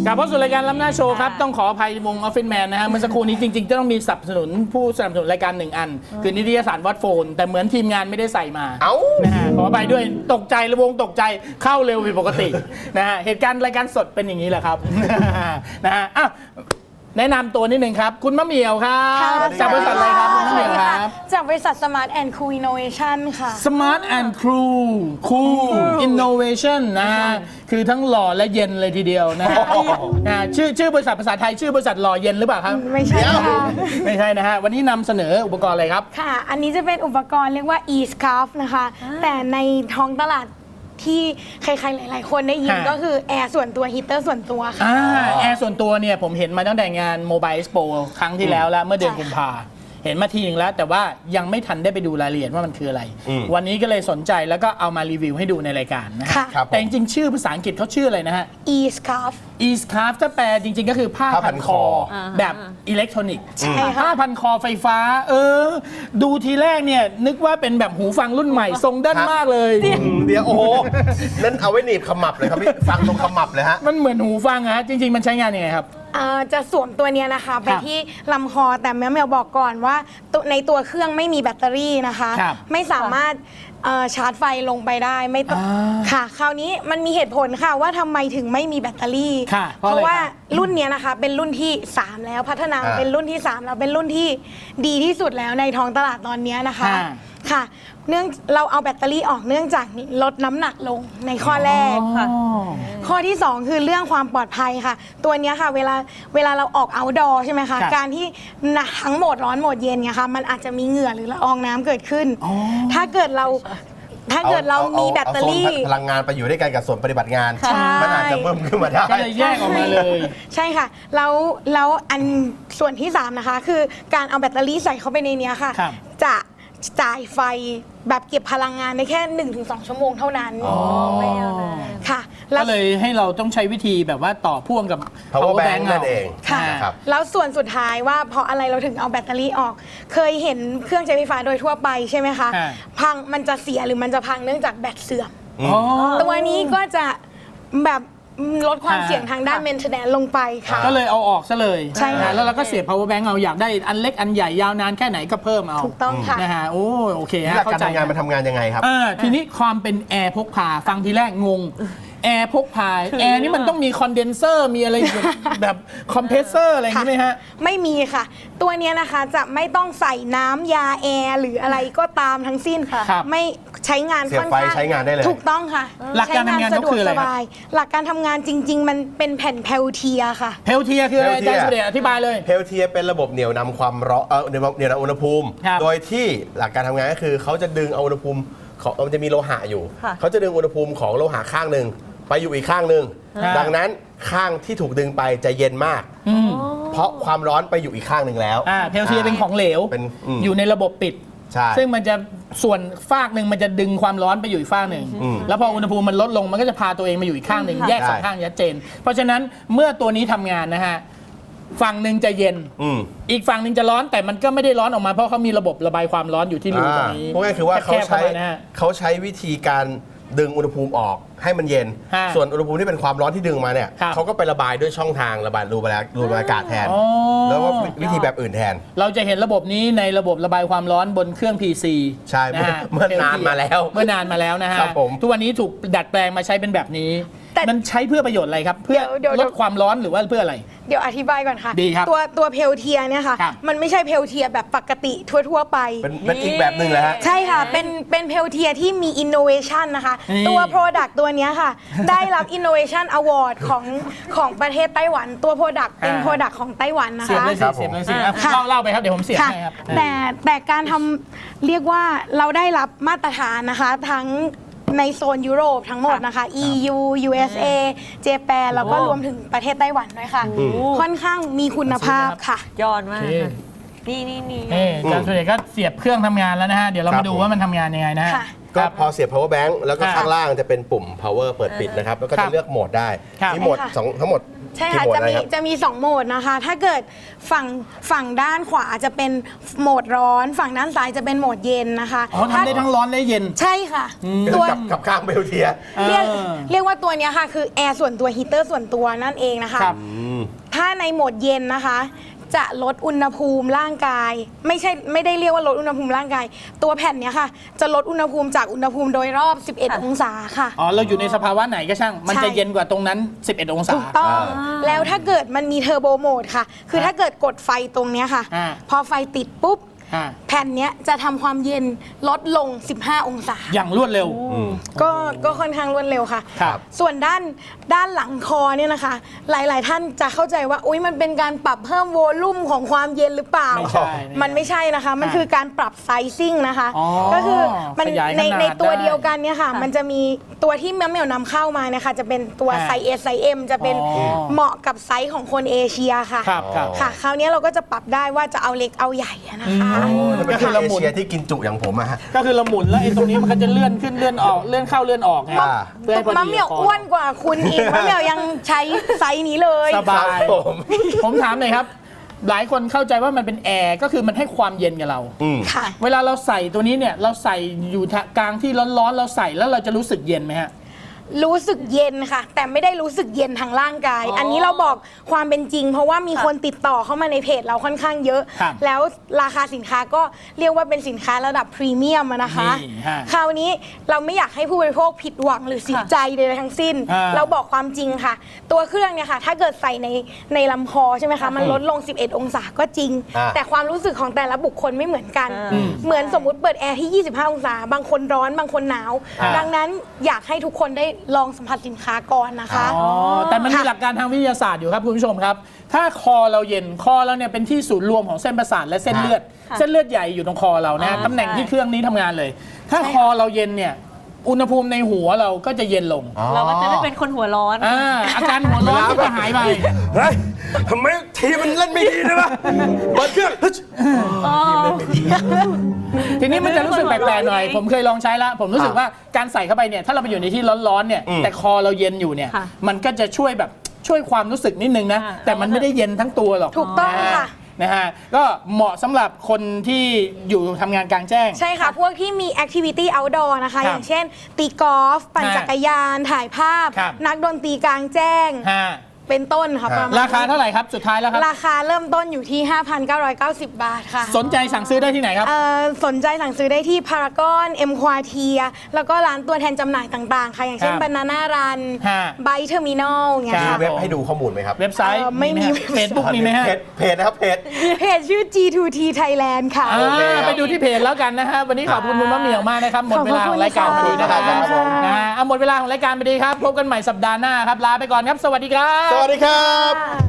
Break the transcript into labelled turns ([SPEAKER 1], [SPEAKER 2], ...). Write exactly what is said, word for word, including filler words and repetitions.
[SPEAKER 1] กลับเข้าสู่รายการล้ำหน้าโชว์ครับต้องขออภัยวงออฟฟิศแมนนะฮะเมื่อสักครู่นี้จริงๆจะต้องมีสนับสนุนผู้สนับสนุนรายการหนึ่งอันคือนิตยสารวัดโฟนแต่เหมือนทีมงานไม่ได้ใส่มาเอ้านะฮะขออภัยด้วยตกใจระวงตกใจเข้าเร็วผิดปกตินะฮะเหตุการณ์รายการสดเป็นอย่างนี้แหละครับนะฮะอ้าวแนะนำตัวนิดนึงครับคุณมะเหมี่ยวครับจากบริษัทอะไรครับคุณมะเหมี่ยวครับ
[SPEAKER 2] จากบริษัท Smart and Cool Innovation ค่ะ
[SPEAKER 1] Smart and Cool Cool Innovation นะฮะคือทั้งหล่อและเย็นเลยทีเดียวนะฮะชื่อชื่อบริษัทภาษาไทยชื่อบริษัทหล่อเย็นหรือเปล่าครับ
[SPEAKER 2] ไม่ใช่ค่ะ
[SPEAKER 1] ไม่ใช่นะฮะวันนี้นำเสนออุปกรณ์อะไรครับ
[SPEAKER 2] ค่ะอันนี้จะเป็นอุปกรณ์เรียกว่า e-scarf นะคะแต่ในท้องตลาดที่ใครๆหลายๆคนได้ยินก็คือแอร์ส่วนตัวฮีเตอร์ส่วนตัวค่ะ
[SPEAKER 1] แอร์ส่วนตัวเนี่ยผมเห็นมาตั้งแต่งาน Mobile Expo ครั้งที่แล้วแล้วเมื่อเดือนกุมภาเห็นมาทีหนึ่งแล้วแต่ว่ายังไม่ทันได้ไปดูรายละเอียดว่ามันคืออะไรวันนี้ก็เลยสนใจแล้วก็เอามารีวิวให้ดูในรายการนะฮะแต่จริงๆชื่อภาษาอังกฤษเขาชื่ออะไรนะฮะ
[SPEAKER 2] e-scarf
[SPEAKER 1] e-scarf ถ้าแปลจริงๆก็คือผ้าพันคอแบบอิเล็กทรอนิกส์ผ้าพันคอไฟฟ้าเออดูทีแรกเนี่ยนึกว่าเป็นแบบหูฟังรุ่นใหม่ทรงด้านมากเลย
[SPEAKER 3] เดี๋ยวโอ้โหนั่นเอาไว้หนีบขมับเลยครับพี่ฟังตรงขมับเลยฮะ
[SPEAKER 1] มันเหมือนหูฟังฮะจริงๆมันใช้งานยังไงครับ
[SPEAKER 2] จะสวมตัวนี้นะคะไปที่ลำคอแต่แม่เมลบอกก่อนว่าในตัวเครื่องไม่มีแบตเตอรี่นะคะไม่สามารถชาร์จไฟลงไปได้ไม่ต้องค่ะคราวนี้มันมีเหตุผลค่ะว่าทำไมถึงไม่มีแบตเตอรี่เพราะว่ารุ่นนี้นะคะเป็นรุ่นที่สามแล้วพัฒนาเป็นรุ่นที่สามแล้วเป็นรุ่นที่ดีที่สุดแล้วในท้องตลาดตอนนี้นะคะค่ะเนื่องเราเอาแบตเตอรี่ออกเนื่องจากลดน้ำหนักลงในข้อแรกค่ะข้อที่สองคือเรื่องความปลอดภัยค่ะตัวนี้ค่ะเวลาเวลาเราออกเอาท์ดอร์ใช่ไหมคะการที่ทั้งโหมดร้อนโหมดเย็นเนี่ยค่ะมันอาจจะมีเหงื่อหรือละอองน้ำเกิดขึ้นถ้าเกิดเราถ้าเกิดเรามีแบตเตอรี่
[SPEAKER 3] พลังงานไปอยู่ด้วยกันกับส่วนปฏิบัติงานมันอาจจะเพิ่มขึ้นมาได้
[SPEAKER 1] ก็เลยแยกออกมาเลย
[SPEAKER 2] ใช่ค่ะแล้วแล้วอันส่วนที่สามนะคะคือการเอาแบตเตอรี่ใส่เข้าไปในนี้ค่ะจะจ่ายไฟแบบเก็บพลังงานได้แค่ หนึ่งถึงสอง ชั่วโมงเท่านั้น
[SPEAKER 1] ไม่เอาค่ะก็เลยให้เราต้องใช้วิธีแบบว่าต่อพ่วงกับ
[SPEAKER 3] power bank นั่นเอง
[SPEAKER 2] ค่ะแล้วส่วนสุดท้ายว่าเพราะอะไรเราถึงเอาแบตเตอรี่ออกเคยเห็นเครื่องใช้ไฟฟ้าโดยทั่วไปใช่ไหมคะพังมันจะเสียหรือมันจะพังเนื่องจากแบตเสื่อมตัวนี้ก็จะแบบลดความเสี่ยงทางด้าน maintenance ลงไปค่ะ
[SPEAKER 1] ก็เลยเอาออกซะเลย
[SPEAKER 2] ใช่ค่ะ
[SPEAKER 1] แล้วเราก็เสียบ power bank เอาอยากได้อันเล็กอันใหญ่ยาวนานแค่ไหนก็เพิ่มเอา
[SPEAKER 2] ถูกต้องค่ะ
[SPEAKER 1] นะฮะโอ้โอเคฮะ
[SPEAKER 3] เข้าใจการทำงานมันทำงานยังไงครับ
[SPEAKER 1] ทีนี้ความเป็นแอร์พกพาฟังทีแรกงงแอร์พกพาแอร์นี่มันต้องมีคอนเดนเซอร์มีอะไรแบบคอมเพรสเซอร์อะไรอย่างนี้ไหมฮะ
[SPEAKER 2] ไม่มีค่ะตัวนี้นะคะจะไม่ต้องใส่น้ำยาแอร์หรืออะไรก็ตามทั้งสิ้นค่ะไม่ใช้งาน
[SPEAKER 3] ค่อนข้างใช้งานได้เลย
[SPEAKER 2] ถูกต้องค่ะ
[SPEAKER 1] หลักการทำงานก็คืออะไร
[SPEAKER 2] หลักการทำงานจริงๆมันเป็นแผ่นเพลเทียค่ะ
[SPEAKER 1] เพลเทียคืออะไรอาจารย์สุเดชอธิบายเลย
[SPEAKER 3] เพลเทียเป็นระบบเหนี่ยวนำความร้อนเออเหนี่ยวนำอุณหภูมิโดยที่หลักการทำงานก็คือเขาจะดึงเอาอุณหภูมิของมันจะมีโลหะอยู่เขาจะดึงอุณหภูมิของโลหะข้างหนึ่งไปอยู่อีกข้างหนึ่งดังนั้นข้างที่ถูกดึงไปจะเย็นมากเพราะความร้อนไปอยู่อีกข้างหนึ่งแล้ว
[SPEAKER 1] เพลเทียเป็นของเหลวอยู่ในระบบปิดซึ่งมันจะส่วนฟากหนึ่งมันจะดึงความร้อนไปอยู่อีกฟากหนึ่งแล้วพออุณหภูมิมันลดลงมันก็จะพาตัวเองมาอยู่อีกข้างหนึ่งแยกสองข้างชัดเจนเพราะฉะนั้นเมื่อตัวนี้ทำงานนะฮะฝั่งหนึ่งจะเย็นอีกฝั่งหนึ่งจะร้อนแต่มันก็ไม่ได้ร้อนออกมาเพราะเขามีระบบระบายความร้อนอยู่ที่รูตรงนี้
[SPEAKER 3] เพราะงั้นคือว่าเขาใช้เขาใช้วิธีการดึงอุณหภูมิออกให้มันเย็นส่วนอุณหภูมิที่เป็นความร้อนที่ดึงมาเนี่ยเขาก็ไประบายด้วยช่องทางระบายรูระบายรูระบายอากาศแทนแล้วก็วิธีแบบอื่นแทน
[SPEAKER 1] เราจะเห็นระบบนี้ในระบบระบายความร้อนบนเครื่อง พี ซี
[SPEAKER 3] ใช่เมื่อนานมาแล้ว
[SPEAKER 1] เมื่อนานมาแล้วนะฮะทุกวันนี้ถูกดัดแปลงมาใช้เป็นแบบนี้มันใช้เพื่อประโยชน์อะไรครับเพื่อลดความร้อนหรือว่าเพื่ออะไร
[SPEAKER 2] เดี๋ยวอธิบายก่อนค่ะ
[SPEAKER 1] ดีครับ
[SPEAKER 2] ตัวตัวเพลเทียเนี่ยค่ะมันไม่ใช่เพลเทียแบบปกติทั่วๆไป
[SPEAKER 3] เป็นอีกแบบหนึ่งเลยฮะ
[SPEAKER 2] ใช่ค่ะเป็นเป็นเพลเทียที่มีอินโนเวชันนะคะตัว Product ตัวนี้ค่ะได้รับ Innovation Award ของของประเทศไต้หวันตัว Product เป็น Product ของไต้หวันนะคะ
[SPEAKER 1] เสียบเลยสิเสียบเลยสิเล่าเล่าไปครับเดี๋ยวผมเสียบให้ครับ
[SPEAKER 2] แต่แต่การทำเรียกว่าเราได้รับมาตรฐานนะคะทั้งในโซนยุโรปทั้งหมดนะคะ อี ยู ยู เอส เอ เจแปนแล้วก็รวมถึงประเทศไต้หวันด้วยค่ะค่อนข้างมีคุณภาพค่ะ
[SPEAKER 4] ยอดมากนี่นี่นี่
[SPEAKER 1] อาจารย์สุเดชก็เสียบเครื่องทำงานแล้วนะฮะเดี๋ยวเรามาดูว่ามันทำงานยังไงนะฮะ
[SPEAKER 3] ก็พอเสียบ power bank แล้วก็
[SPEAKER 1] ครับ
[SPEAKER 3] ข้างล่างจะเป็นปุ่ม power เปิดปิดนะครับ แล้วก็
[SPEAKER 1] ครั
[SPEAKER 3] จะ
[SPEAKER 1] บ
[SPEAKER 3] เลือกโหมดได้
[SPEAKER 1] ครับ
[SPEAKER 3] มีโหมด
[SPEAKER 2] ใช่ค่ะ
[SPEAKER 3] สองทั้งหมด
[SPEAKER 2] ใช่
[SPEAKER 3] กี่
[SPEAKER 2] ค่ะ
[SPEAKER 3] โหมด
[SPEAKER 2] จะ
[SPEAKER 3] อะไร
[SPEAKER 2] มี
[SPEAKER 3] ครับ
[SPEAKER 2] จะมีสองโหมดนะคะ ถ้าเกิดฝั่งฝั่งด้านขวาจะเป็นโหมดร้อน ฝั่งด้านซ้ายจะเป็นโหมดเย็นนะคะ
[SPEAKER 1] อ๋อทำได้ทั้งร้อนและเย็น
[SPEAKER 2] ใช่ค่ะ
[SPEAKER 3] ตั
[SPEAKER 2] ตัว ว
[SPEAKER 3] กับกับข้างเบลเทีย
[SPEAKER 2] เรียก
[SPEAKER 1] เออ
[SPEAKER 2] เรียกว่าตัวเนี้ยค่ะคือแอร์ส่วนตัวฮีเตอร์ส่วนตัวนั่นเองนะคะ
[SPEAKER 1] ครับ
[SPEAKER 2] ถ้าในโหมดเย็นนะคะ จะลดอุณหภูมิร่างกาย ไม่ใช่ไม่ได้เรียกว่าลดอุณหภูมิร่างกาย ตัวแผ่นเนี้ยค่ะ จะลดอุณหภูมิจากอุณหภูมิโดยรอบ สิบเอ็ด องศาค่ะ
[SPEAKER 1] อ๋อเราอยู่ในสภาวะไหนก็ช่าง มัน
[SPEAKER 2] ใช่
[SPEAKER 1] จะเย็นกว่าตรงนั้น สิบเอ็ด องศา
[SPEAKER 2] ถูกต้อง แล้วถ้าเกิดมันมีเทอร์โบโหมดค่ะ คือถ้าเกิดกดไฟตรงเนี้ยค่ะ
[SPEAKER 1] อ่า
[SPEAKER 2] พอไฟติดปุ๊บ
[SPEAKER 1] อ่า
[SPEAKER 2] แผ่นเนี้ยจะทำความเย็นลดลง สิบห้า องศา
[SPEAKER 1] อย่างรวดเร็ว
[SPEAKER 2] ก็ก็ค่อนข้างรวดเร็วค่ะ
[SPEAKER 1] ครับ
[SPEAKER 2] ส่วนด้านด้านหลังคอเนี่ยนะคะ หลาย ๆ ท่านจะเข้าใจว่าอุ๊ยมันเป็นการปรับเพิ่มโวลูมของความเย็นหรือเปล่า
[SPEAKER 1] ไม่ใช่
[SPEAKER 2] มันไม่ใช่นะคะ มัน
[SPEAKER 1] อ่า
[SPEAKER 2] คือการปรับไซซิ่งนะคะ
[SPEAKER 1] อ๋อ
[SPEAKER 2] ก็คือมัน
[SPEAKER 1] ขยายขนาด
[SPEAKER 2] ในในตัว
[SPEAKER 1] ได้
[SPEAKER 2] เดียวกันเนี่ยค่ะ มันจะมีตัวที่แมวเหมียวนำเข้ามาเนี่ยค่ะจะเป็นตัว
[SPEAKER 1] อ่า
[SPEAKER 2] ไซส์ S ไซส์ M จะเป็น
[SPEAKER 1] อ๋อ
[SPEAKER 2] เหมาะกับไซส์ของคนเอเชียค่ะ
[SPEAKER 1] ครับครับ
[SPEAKER 2] ค่ะ คราวนี้เราก็จะปรับได้ว่าจะเอาเล็กเอาใหญ่อะนะคะ
[SPEAKER 3] จะเป็น
[SPEAKER 1] ก็คือเรา
[SPEAKER 3] เอ
[SPEAKER 1] หมุน
[SPEAKER 3] เชียที่กินจุอย่างผมอะฮะ
[SPEAKER 1] ก็คือเราหมุนแล้วไอ้ตรงนี้มันก็จะเลื่อนขึ้นเลื่อนออกเลื่อนเข้าเลื่อนออกไง
[SPEAKER 3] อ่า
[SPEAKER 1] เพื่อให้พอ
[SPEAKER 2] มะ
[SPEAKER 1] ดี
[SPEAKER 2] เหมียว
[SPEAKER 1] ค
[SPEAKER 2] อ้วนกว่าคุณอีก มะเหมียวยังใช้ไซส์นี้เลย
[SPEAKER 1] สบาย
[SPEAKER 3] ครับผม
[SPEAKER 1] ผมถามหน่อยครับ หลายคนเข้าใจว่ามันเป็นแอร์ก็คือมันให้ความเย็นกับเรา
[SPEAKER 3] อืม
[SPEAKER 2] ค่ะ
[SPEAKER 1] เวลาเราใส่ตัวนี้เนี่ยเราใส่อยู่กลางที่ร้อนๆเราใส่แล้วเราจะรู้สึกเย็นไหมฮะ
[SPEAKER 2] รู้สึกเย็นค่ะ แต่ไม่ได้รู้สึกเย็นทางร่างกาย
[SPEAKER 1] อ๋ออั
[SPEAKER 2] อันนี้เราบอกความเป็นจริง เพราะว่ามีคนติดต่อเข้ามาในเพจเราค่อนข้างเยอะ
[SPEAKER 1] ครับ
[SPEAKER 2] แล้วราคาสินค้าก็เรียกว่าเป็นสินค้าระดับพรีเมียมอะนะคะ
[SPEAKER 1] นี่ฮะ
[SPEAKER 2] คราวนี้เราไม่อยากให้ผู้บริโภคผิดหวังหรือเสียใจใดๆทั้งสิ้น
[SPEAKER 1] อ่า
[SPEAKER 2] เราบอกความจริงค่ะ ตัวเครื่องเนี่ยค่ะ ถ้าเกิดใส่ในในลำคอใช่ไหมคะ มันลดลง สิบเอ็ด องศาก็จริง
[SPEAKER 3] อ่า
[SPEAKER 2] แต่ความรู้สึกของแต่ละบุคคลไม่เหมือนกัน เหมือนสมมุติเปิดแอร์ที่ ยี่สิบห้า องศา บางคนร้อนบางคนหนาว
[SPEAKER 1] อ่า
[SPEAKER 2] ดังนั้นอยากให้ทุกคนได้ลองสัมผัสสินค้าก่อนนะคะ
[SPEAKER 1] อ๋อแต่มันมี
[SPEAKER 2] ค่ะ
[SPEAKER 1] หลักการทางวิทยาศาสตร์อยู่ครับคุณผู้ชมครับ ถ้าคอเราเย็นคอเราเนี่ยเป็นที่ศูนย์รวมของเส้นประสาทและเส้นเลือด เส้นเลือดใหญ่อยู่ตรงคอเรานะ
[SPEAKER 4] อ่า
[SPEAKER 1] ตำแหน่งที่
[SPEAKER 4] ใช่
[SPEAKER 1] เครื่องนี้ทำงานเลย ถ้าคอเราเย็นเนี่ยอุณหภูมิในหัวเราก็จะเย็นลง
[SPEAKER 4] เราก็จะไม่เป็นคนหัวร้อน
[SPEAKER 1] อ่าอาการหัวร้อนก็จะหายไป
[SPEAKER 3] เฮ้ยทำไมทีมมันเล่นไม่ดีเลยวะเปิดเครื่องฮึช
[SPEAKER 1] ทีนี้มันจะรู้สึกแปลกๆหน่อย ผมเคยลองใช้แล้ว ผมรู้สึกว่าการใส่เข้าไปเนี่ยถ้าเราไปอยู่ในที่ร้อนๆเนี่ยแต่คอเราเย็นอยู่เนี่ย
[SPEAKER 4] ค่ะ
[SPEAKER 1] มันก็จะช่วยแบบช่วยความรู้สึกนิดนึงนะ
[SPEAKER 4] อ่า
[SPEAKER 1] แต่มันไม่ได้เย็นทั้งตัวหรอก
[SPEAKER 2] ถูกต้องค่ะ
[SPEAKER 1] นะฮะก็เหมาะสำหรับคนที่อยู่ทำงานกลางแจ้ง
[SPEAKER 2] ใช่ค่ะ พวกที่มีแอคทิวิตี้ outdoor นะคะ
[SPEAKER 1] ครับ
[SPEAKER 2] อย่างเช่น ตีกอล์ฟ ปั่น
[SPEAKER 1] ฮะ
[SPEAKER 2] จักรยาน ถ่ายภาพ
[SPEAKER 1] ครับ
[SPEAKER 2] นักดนตรีกลางแจ้ง
[SPEAKER 1] ฮะ
[SPEAKER 2] เป็นต้นค่ะประมาณ
[SPEAKER 1] ราคาเท่าไหร่ครับสุดท้ายแล้วครับ
[SPEAKER 2] ราคาเริ่มต้นอยู่ที่ ห้าพันเก้าร้อยเก้าสิบ บาทค่ะ
[SPEAKER 1] สนใจสั่งซื้อได้ที่ไหนครับ
[SPEAKER 2] เอ่อสนใจสั่งซื้อได้ที่พารากอนเอ็มควาเทียแล้วก็ร้านตัวแทนจำหน่ายต่างๆ ค่ะ อย่างเช่น
[SPEAKER 1] ครับ
[SPEAKER 2] บานาน่ารัน
[SPEAKER 1] ฮะ
[SPEAKER 2] ไบเทอร์มินอลเงี้ย
[SPEAKER 1] ครั
[SPEAKER 2] ค่ะ
[SPEAKER 1] บ
[SPEAKER 3] เว็บให้ดูข้อมูลไหมครับ
[SPEAKER 1] เว็บไซต์
[SPEAKER 2] เอ่อไม่มี
[SPEAKER 1] เฟซบุ๊กมีไหมฮะ
[SPEAKER 3] เพจเพจนะครับเพจ
[SPEAKER 2] เพจชื่อ จี ทู ที Thailand ค่ะ
[SPEAKER 1] อ่า
[SPEAKER 3] โอเคครับ
[SPEAKER 1] ไปดูที่เพจแล้วกันนะฮะวันนี้ขอบคุณคุณมะเหมี่ยวมากนะครับหมดเวลาของรายการพอดีนะครับ
[SPEAKER 2] ขอบคุณค่ะ
[SPEAKER 1] นะฮะเอาหมดเวลาของรายการพอดีครับพบกันใหม่สัปดาห์หน้าครับลาไปก่อนครับ สวัสดีครับ
[SPEAKER 3] สวัสดีครับ